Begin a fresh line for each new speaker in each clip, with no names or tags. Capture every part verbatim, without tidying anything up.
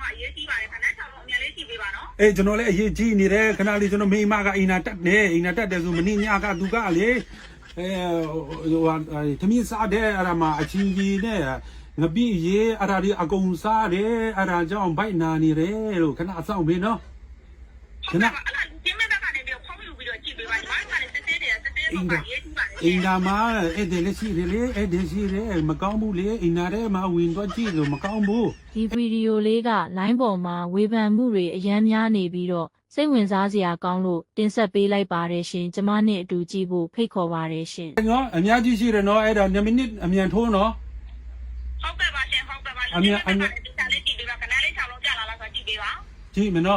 အေးကျွန်တော်လည်းအရေးကြီးနေတယ်ခဏလေးကျွန်တော်မိမကအိမ်နာတက်နေအိမ်နာတက်တယ်ဆိုမင်းညကသူကလေအဲဟိုဟာသမီးစားတဲ့အဲ့ဒါမှအချင်းကြီးနဲ့ငပိရေအဲ့ဒါဒီအကုန်စားတယ်အဲ့ဒါကြောင့်ဘိုက်နာနေတယ်လို့ခဏအဆောင်မင်းနော်ခဏအင်းဒါအင်းဒါမှာအဲ့ဒီလက်ရှိတယ်လေအဲ့ဒီရှိတယ်မကောင်းဘူးလေအင်းနာထဲမှာဝင်တော့ကြည့်လို့မကောင်းဘူး
ဒီဗီဒီယိုလေးကလိုင်းပေါ်မှာဝေဖန်မှုတွေအများများနေပြီးတော့စိတ်ဝင်စားစရာကောင်းလို့တင်ဆက်ပေးလိုက်ပါတယ်ရှင်ကျမနဲ့အတူကြည့်ဖို့ဖိတ်ခေါ်ပါတယ်ရှင်
နော်အများကြီးရှိတယ်နော်အဲ့ဒါ၂မိနစ်အမြန်ထိုးနော်
ဟုတ်ကဲ့ပါရှင်ဟုတ်ကဲ့ပါအမြန်အမြန်ဒီစားလေးကြည့်ပေးပါခဏလေး၆လုံးကြာလာလားဆိုကြည့်ပေးပါ
ကြည့်မနော်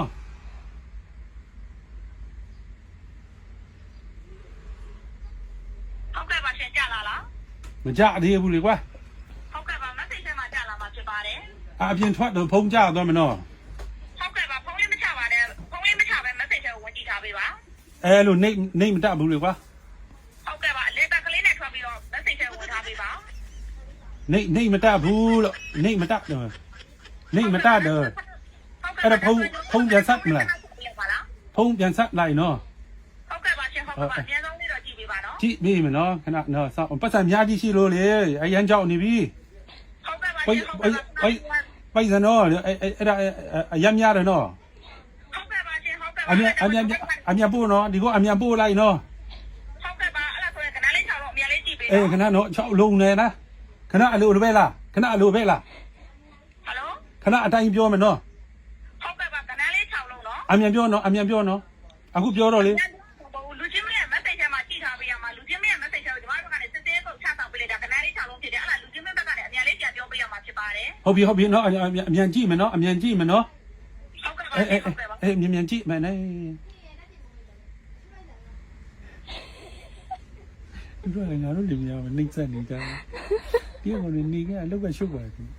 ဟုတ်ကဲ့ပါရှင်ကြာလာလား
မကြသေးဘူးလေကွာ
ဟုတ်ကဲ့ပါ message ထဲမှာကြာလာမှာဖြစ်ပါတယ်
အပြင်ထွက်တော့ဖုန်းကြတော့မနော်
ဟုတ်ကဲ့ပါဖုန်းလေးမချပါနဲ့ဖုန်းလေးမချပဲ message ထဲကိုဝင်ကြည့်ထားပေးပါ
အဲလိုနေနေမတတ်ဘူးလေကွာ
ဟုတ်ကဲ့ပါလေတက်ကလေးနဲ့ထွက်ပြီးတော့ message ထဲကိုဝင်ထားပေးပါ
နေနေမတတ်ဘူးလို့နေမတတ်တော့နေမတတ်တော့အဲ့ဒါဖုန်းဖုန်းပြန်ဆက်မလားဖုန်းပြန်ဆက်လိုက်နော်
ဟုတ်ကဲ့ပါရှင်ဟုတ်ကဲ့ပါအများဆုံးလေးတော့ကြည့်ပေးပါနော်
ကြည့်ပြီမနော်ခဏနော်စောင့်ပတ်စံများကြီးရှိလို့လေအရန်ကြောက်နေပြီ
ဟုတ်ကဲ့ပါရှင်ဟုတ်ကဲ့ပါ
ပိုက်စံနော်အဲ့အဲ့ဒါအရန်များတယ်နော်
ဟုတ်ကဲ့ပါရှင်ဟုတ်ကဲ့ပါ
အမြန်အမြန်အမြန်ပို့နော်ဒီကအမြန်ပို့လိုက်နော်
ဟုတ်ကဲ့ပါအဲ့ဒါဆိုရင်ခဏလေး၆လုံးအမြန်လေးကြည့်ပေး
အေးခဏနော်၆လုံးနဲ့လားခဏအလိုလိုပဲလားခဏအလိုပဲလား
ဟယ်လို
ခဏအတိုင်းပြောမယ်နော်
ဟုတ်ကဲ့ပါခဏလေး၆လုံးနော်
အမြန်ပြောနော်အမြန်ပြောနော်အခုပြောတော့လေ
လူချင်းမရဲ့ message ထဲမှာကြည့်ထားပေးရမှာလူချင်းမရဲ့ message ထဲကိုဒီမှာဘက်ကနေစစ်သေးပုတ်ချဆောင်ပေးလိုက်တာခဏလေး၆လုံးဖြစ်တယ်အဲ့ဒါလူချင်းမဘက်ကနေအမြန်လေးပြန်ပြောပေးရမှာဖြစ်ပါတယ်
ဟုတ်ပြီဟုတ်ပြီနော်အမြန်ကြည့်မယ်နော်အမြန်ကြည့်မယ်နော်
ဟုတ်ကဲ့ပါဟုတ်ကဲ့ပါ
အေးမြန်မြန်ကြည့်မယ်နဲ့ဒီလိုလည်းငါတို့လူများမနှိမ့်ဆက်နေကြတယ်ဒီကောင်တွေနေကအလောက်ကရှုပ်ပါတယ်ဟယ်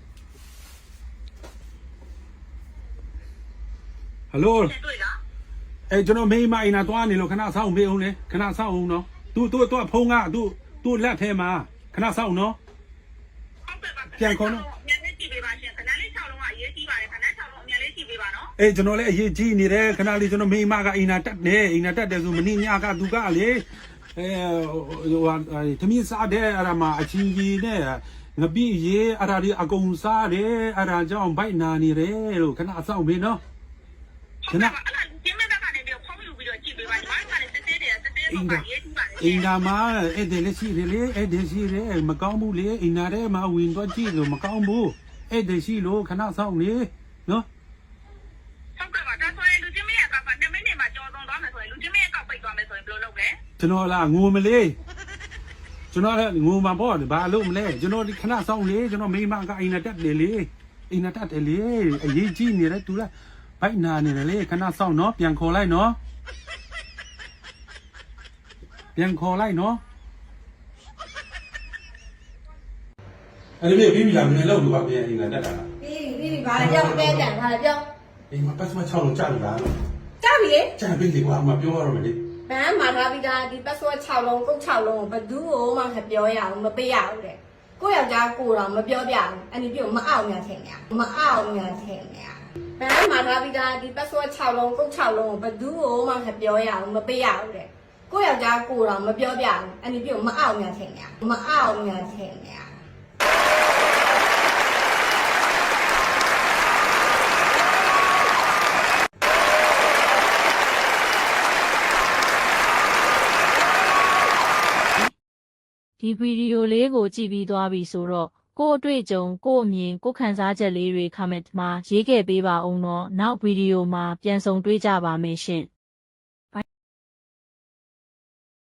လိုအဲကျွန်တော်မိမအိမ်နာသွားနေလို့ခဏဆောင်းပေးအောင်လေခဏဆောင်းအောင်နော်သူသူသူဖုန်းကသူသူလက်ထဲမှာခဏဆောင်းနော်
ပြန်ခေါ်နော်မြန်လေးကြည့်ပေးပါရှင်ခဏလေး၆လုံးကအရေးကြီးပါတယ်ခဏ၆လုံးအမြန်လေးကြည့်ပေးပါနော်
အေးကျွန်တော်လည်းအရေးကြီးနေတယ်ခဏလေးကျွန်တော်မိမကအိမ်နာတက်နေအိမ်နာတက်တယ်ဆိုမင်းညကသူကလေအဲဟိုဟာသမီးစားတဲ့အဲ့ဒါမှအချင်းကြီးနဲ့ငပိရေအဲ့ဒါဒီအကုန်စားတယ်အဲ့ဒါကြောင့်ဘိုက်နာနေတယ်လို့ခဏအဆောင်ပေးနော်
ခဏအဲ့ဒါဒီမဲ့ဘက်ကနေပြီးဖုန်းယူပြီးတော့ကြည့်ပေးပါဒီမှာကလည်းစစ်သေးတယ်စစ်သေးတော့ပါရေးကြည့်ပါ
အင်းဒါမှာအဲ့ဒီလက်ရှိတယ်လေအဲ့ဒီရှိတယ်မကောင်းဘူးလေအင်းနာထဲမှာဝင်တော့ကြည့်လို့မကောင်းဘူးအဲ့ဒီရှိလို့ခဏဆောင်လေနော်
ဟုတ်ကဲ့ပါဒါဆိုရင်လူချင်းမရဲ့ကောက်က၂မိနစ်မှာကြော်သွန်းသွားမယ်ဆိုရင်လူချင်းမရဲ့ကောက်ပိတ်သွားမယ်ဆိုရင်ဘယ်လိုလုပ်လဲ
ကျွန်တော်လားငိုမလေးကျွန်တော်လည်းငိုမှာပေါ့ဘာလို့မလဲကျွန်တော်ဒီခဏဆောင်လေကျွန်တော်မိမကအိမ်နာတက်တယ်လေအိမ်နာတက်တယ်လေအရေးကြီးနေတယ်သူလားဘိုက်နာနေတယ်လေခဏဆောင်နော်ပြန်ခေါ်လိုက်နော်ပြန်ခေါ်လိုက်နော်အဲ့ဒီပြီးပြီလားမင်းလောက်လို့ပါပြန်အိမ်နာတက်တာလား
ပြီးပြီပြီးပြီဘာလဲပြောပဲတန်ဘာလဲပြော
အိမ်မှာပတ်စမ၆လုံးကြာပြီလား
ကြာပြီလေ
ကြာပြီလေကွာအမပြောရတော့မယ်လေ
ဘန်းမှာထားပြီးသားဒီ password ၆လုံးကုတ်၆လုံးကိုဘယ်သူ့ကိုမှမပြောရဘူးမပေးရဘူးတဲ့ကိုယောက်ျားကိုတော့မပြောပြဘူးအဲ့ဒီပြုတ်မအောင်ညာထင်ညာမအောင်ညာထင်ညာဘန်းမှာထားပြီးသားဒီ password ၆လုံးကုတ်၆လုံးကိုဘယ်သူ့ကိုမှမပြောရဘူးမပေးရဘူးတဲ့ကိုယောက်ျားကိုတော့မပြောပြဘူးအဲ့ဒီပြုတ်မအောင်ညာထင်ညာမအောင်ညာထင်ညာ
ဒီဗီဒီယိုလေးကိုကြည့်ပြီးသွားပြီဆိုတော့ကို့အတွေ့အကြုံကို့အမြင်ကို့ခံစားချက်လေးတွေ comment မှာရေးခဲ့ပေးပါဦးနော်နောက်ဗီဒီယိုမှာပြန်ဆုံတွေ့ကြပါမယ်ရှင်